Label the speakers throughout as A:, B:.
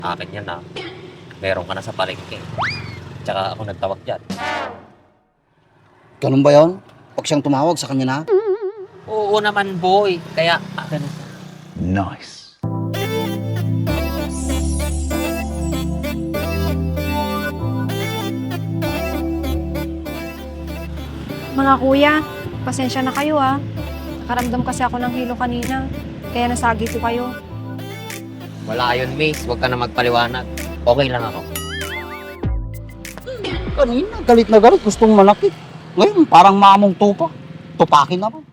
A: Akin yan na. Meron ka na sa palengke. Tsaka ako nagtawag dyan.
B: Ganun ba yon? Pag siyang tumawag sa kanya na?
A: Oo naman, boy. Kaya akin na.
C: Nice.
D: Mga kuya, pasensya na kayo ah. Nakaramdam kasi ako ng hilo kanina, kaya nasagi ko kayo.
A: Wala yun, miss. Huwag ka na magpaliwanag. Okay lang ako.
B: Kanina, galit na galit, gustong manakit. Ngayon, parang mamong tupa. Tupakin na ba?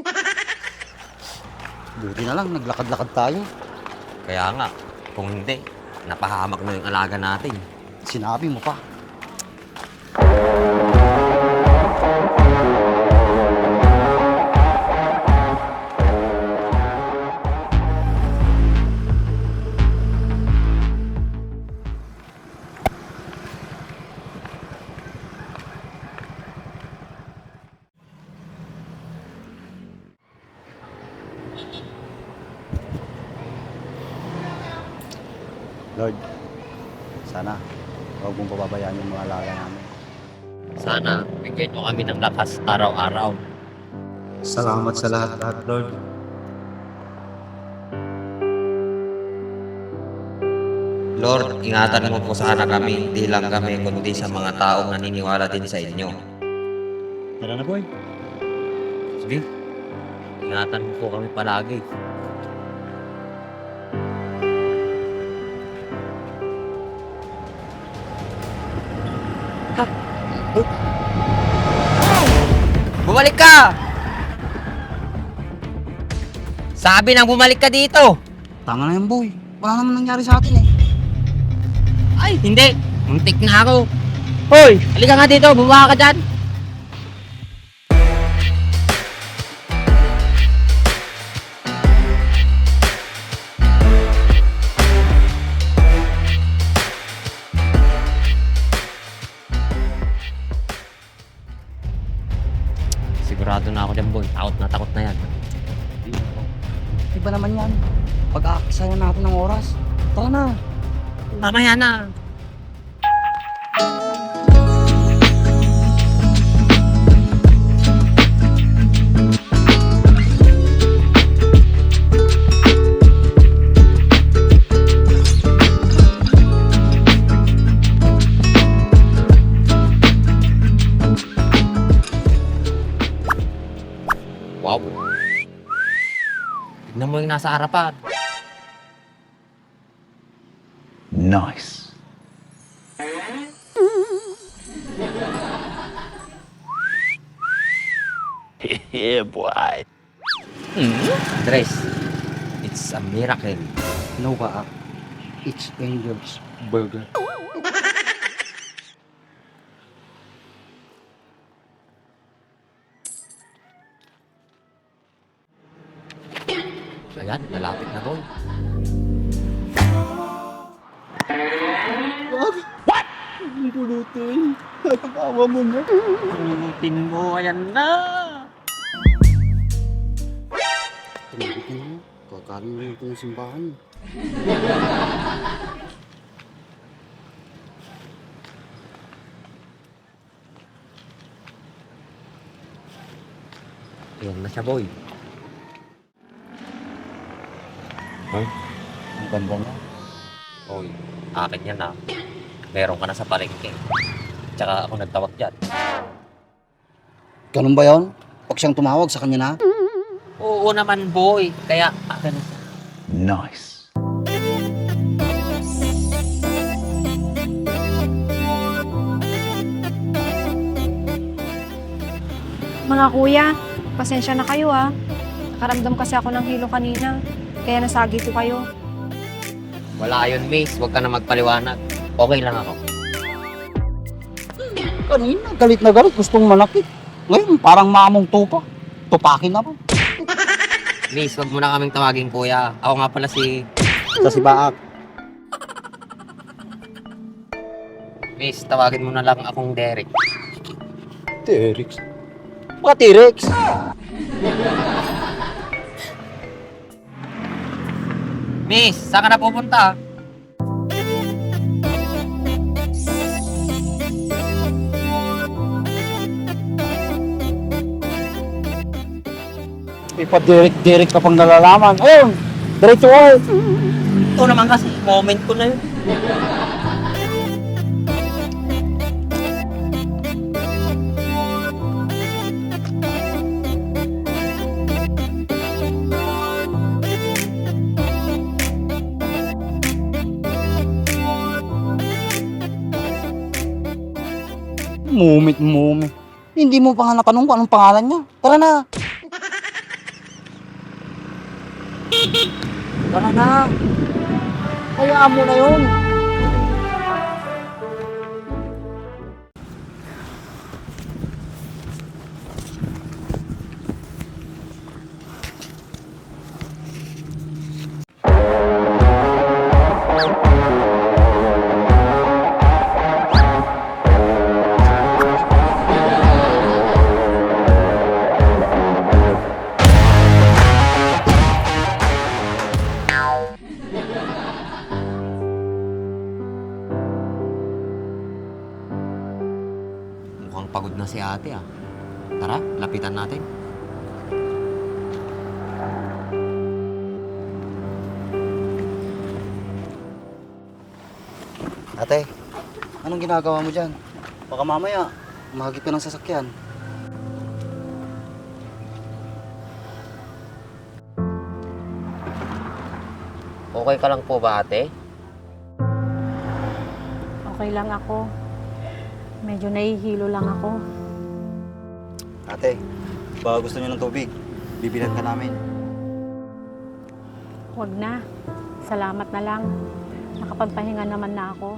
B: Buti na lang, naglakad-lakad tayo.
A: Kaya nga, kung hindi, napahamak na yung alaga natin.
B: Sinabi mo pa. Lord, sana huwag mong pababayaan yung mga alaga namin.
A: Sana, bigyan nyo kami ng lakas araw-araw.
E: Salamat sa lahat-lahat, Lord.
A: Lord, ingatan mo po sana kami, hindi lang kami, kundi sa mga taong naniniwala din sa inyo.
B: Tara na, boy.
A: Sige, ingatan mo po kami palagi. Bumalik ka! Sabi nang bumalik ka dito!
B: Tama na yan, boy. Wala naman nangyari sa atin eh.
A: Ay, hindi! Muntik na ako! Hoy! Halika nga dito, bumaba ka dyan! Sigurado na ako dyan, boy. Takot na yan.
B: Iba naman yan. Pag-aakisayan natin ng oras. Tara na.
A: Mamaya na! Wow! Tignan mo yung nasa harapan.
C: Nice. Yeah, boy.
A: Andres, it's a miracle.
B: No ba? It's Angel's Burger.
A: Ayan, malapit na, boy.
B: Ang pulutin. Nagkakawa mo na.
A: Pulutin mo, ayan na!
B: Tumigit na mo. Kakaroon na ito ng simbahan.
A: Ayan na siya, boy.
B: Ang ganda na.
A: Boy, akin yan na. Meron ka na sa palengke. Tsaka ako nagtawag dyan.
B: Ganun ba yon? Pag siyang tumawag sa kanya na?
A: Oo naman, boy. Kaya akin na.
C: Nice.
D: Mga kuya, pasensya na kayo ah. Nakaramdam kasi ako ng hilo kanina, kaya nasagi ko kayo.
A: Wala yun, miss. Huwag ka na magpaliwanag. Okay lang ako.
B: Kanina, galit na galit, gustong manakit. Ngayon, parang mamong tupa. Tupakin na ba?
A: Miss, huwag mo na kaming tawagin, kuya. Ako nga pala si...
B: Sa sibaak.
A: Miss, tawagin mo na lang akong Derek.
B: T-Rex. Mga T-Rex.
A: Miss, saan ka na pupunta?
B: Ipa-direct ka pang nalalaman. Ayun, diretso ko.
A: Ito naman kasi, moment ko na yun.
B: Mumit. Hindi mo pa nga natanong kung anong pangalan niya. Tara na. Tara na. Hayaan mo na yun.
A: Mukhang pagod na si ate ah. Tara, lapitan natin.
B: Ate, anong ginagawa mo dyan? Baka mamaya, mahagip ka ng sasakyan.
A: Okay ka lang po ba ate?
F: Okay lang ako. Medyo nahihilo lang ako.
B: Ate, baka gusto niyo ng tubig. Bibilan ka namin.
F: Huwag na. Salamat na lang. Nakapagpahinga naman na ako.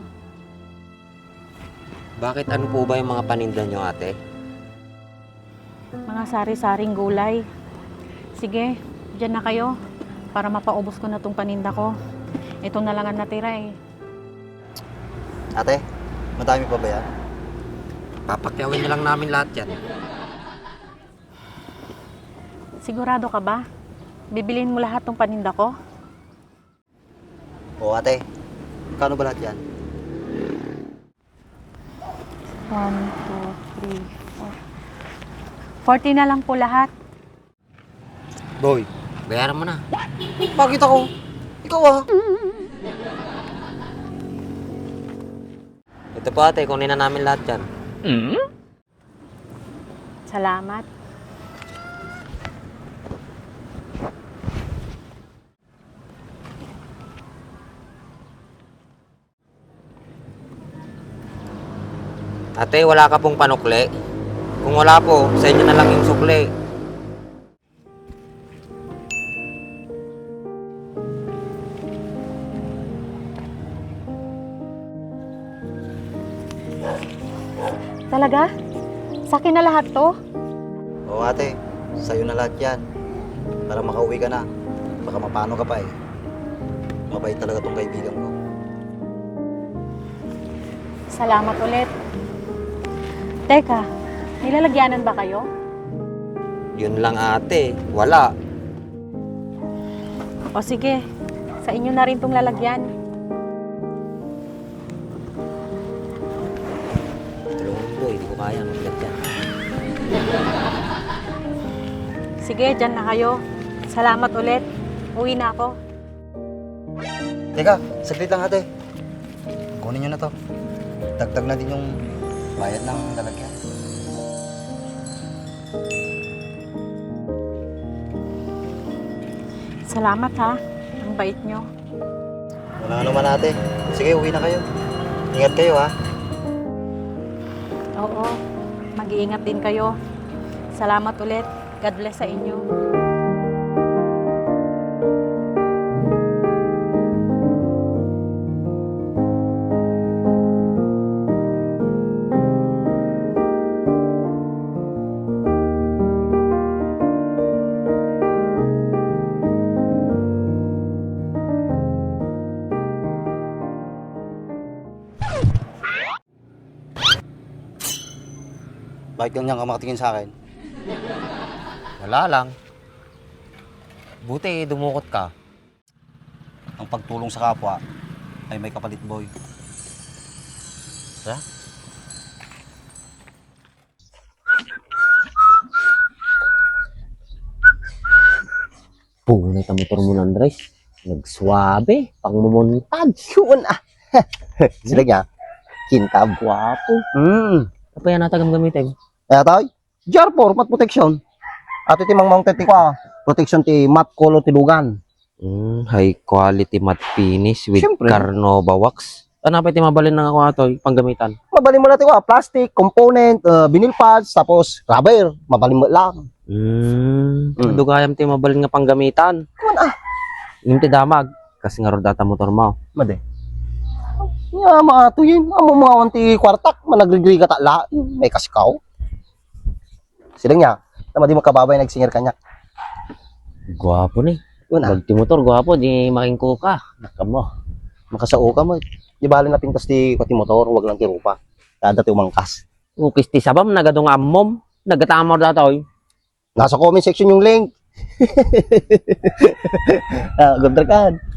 A: Bakit ano po ba yung mga paninda nyo ate?
F: Mga sari-saring gulay. Sige, dyan na kayo. Para mapaubos ko na tong paninda ko. Ito na lang ang natira eh.
B: Ate, madami pa ba yan?
A: Papakyawin na lang namin lahat yan.
F: Sigurado ka ba? Bibiliin mo lahat tong paninda ko?
B: Oo ate, kano ba lahat yan?
F: 1, 2, 3, 4. 40 na lang po lahat.
B: Boy,
A: Bayaran mo na.
B: bakit ako? Ikaw ah.
A: Ito po ate, kunin na namin lahat yan.
F: Salamat.
A: Ate, wala ka pong panukli? Kung wala po, sa inyo na lang yung sukli.
F: Talaga? Sa akin na lahat to?
B: Oo ate, sa'yo na lahat yan. Para makauwi ka na. Baka mapano ka pa eh. Mabait talaga tong kaibigan ko.
F: Salamat ulit. Teka, nilalagyanan ba kayo?
A: Yun lang ate, wala.
F: O sige, sa inyo na rin tong lalagyan.
A: Tulungan mo, hindi ko kaya maglat yan.
F: Sige, dyan na kayo. Salamat ulit. Uwi na ako.
B: Teka, saglit lang ate. Kunin nyo na to. Dagdag na din yung bayad ng lalagyan.
F: Salamat ha. Ang bait nyo.
B: Wala naman ate. Sige, uwi na kayo. Ingat kayo ha.
F: Oo, mag-iingat din kayo. Salamat ulit. God bless sa inyo.
B: Bakit ganyan ka makatingin sa akin?
A: Wala lang. Buti, dumukot ka.
B: Ang pagtulong sa kapwa ay may kapalit boy.
A: Ha?
G: Tunay ta motor mo, Andres. Nagsuabe, pang mumuntag.
H: Yun ah. Sila niya. Kintab.
G: Gwapo. Apa yan natagam gamitin?
H: Kaya tayo, GR4, mat protection. At iti mang mounted ti kwa, protection ti mat color ti lugan.
G: High quality matte finish with
H: Siyempre.
G: Carnova wax. Ano pa iti mabalin ng ako ato, panggamitan?
H: Mabalin mo natin kwa, plastic, component, vinyl pads, tapos rubber, mabalin mo lang.
G: Dugayam ti mabalin nga panggamitan.
H: Kuman ah,
G: Yung ti damag, kasi nga ro data motor mo.
H: made. Nga mga tuyin, amo mga wanti kwartak, managrigri ka la, may kasikaw. Sila niya, na madi makababay nagsingir kanya.
G: Gwapo ni.
H: Yun ah,
G: Pag ti motor, gwapo, di makingko ka. Nakamo.
H: makasao ka mo. Di bali na pintas ti pati motor, wag lang ti rupa. Kada ti umangkas.
G: Ukis ti sabam, nagadong ammom. Nagatamor datoy.
H: Nasa comment section yung link. Good kan.